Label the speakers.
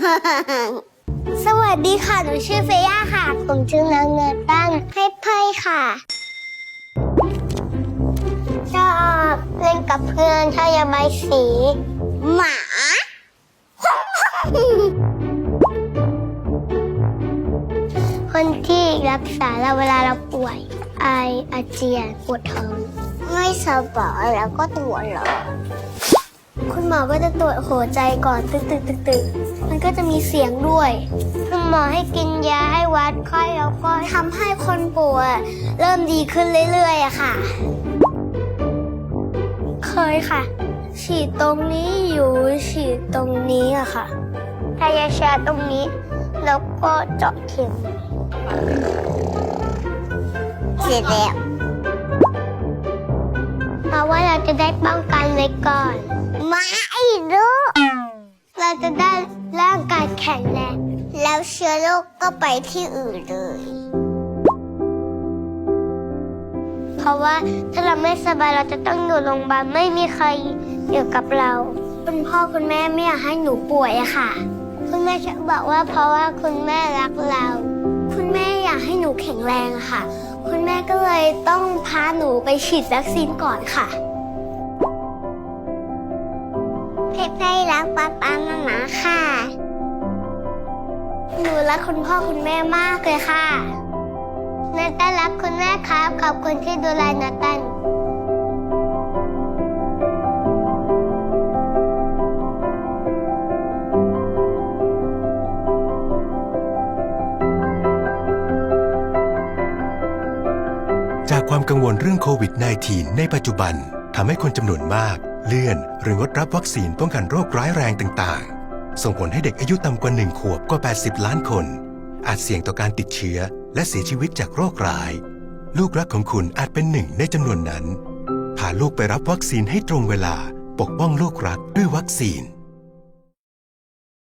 Speaker 1: สวัสดีค่ะหนูชื่อเฟย่าค่ะผมชื่อนางเงินตั้งให้ไพ่ค่ะชอบเล่นกับเพื่อนชอบระบายสีหมา คนที่รักษาเราเวลาเราป่วยไออาเจียนปวดท้องไม่สบายแล้วก็ตัวร้อนคุณหมอก็จะตรวจหัวใจก่อนตึกมันก็จะมีเสียงด้วยคุณหมอให้กินยาให้วัดไข้แล้วก็ทำให้คนป่วยเริ่มดีขึ้นเรื่อยๆอะค่ะเคยค่ะฉีดตรงนี้อยู่ฉีดตรงนี้อะค่ะถ้ายาชาตรงนี้แล้วก็เจาะเข็มเสร็จแล้วเพราะว่าเราจะได้ป้องกันไว้ก่อนไม่รู้เราจะได้ร่างกายแข็งแรงแล้วเชื้อโรคก็ไปที่อื่นเลยเพราะว่าถ้าเราไม่สบายเราจะต้องอยู่โรงพยาบาลไม่มีใครอยู่กับเราคุณพ่อคุณแม่ไม่อยากให้หนูป่วยอะค่ะคุณแม่จะบอกว่าเพราะว่าคุณแม่รักเราคุณแม่อยากให้หนูแข็งแรงอะค่ะคุณแม่ก็เลยต้องพาหนูไปฉีดวัคซีนก่อนค่ะเพชรรักป๊าป๊ามาม่าค่ะหนูรักคุณพ่อคุณแม่มากเลยค่ะนาตันรักคุณแม่ครับขอบคุณที่ดูแลนาตัน
Speaker 2: จากความกังวลเรื่องโควิด -19 ในปัจจุบันทำให้คนจำนวนมากเลื่อนหรืองดรับวัคซีนป้องกันโรคร้ายแรงต่างๆส่งผลให้เด็กอายุต่ำกว่า1 ขวบกว่า80 ล้านคนอาจเสี่ยงต่อการติดเชื้อและเสียชีวิตจากโรคร้ายลูกรักของคุณอาจเป็นหนึ่งในจำนวนนั้นพาลูกไปรับวัคซีนให้ตรงเวลาปกป้องลูกรักด้วยวัคซีน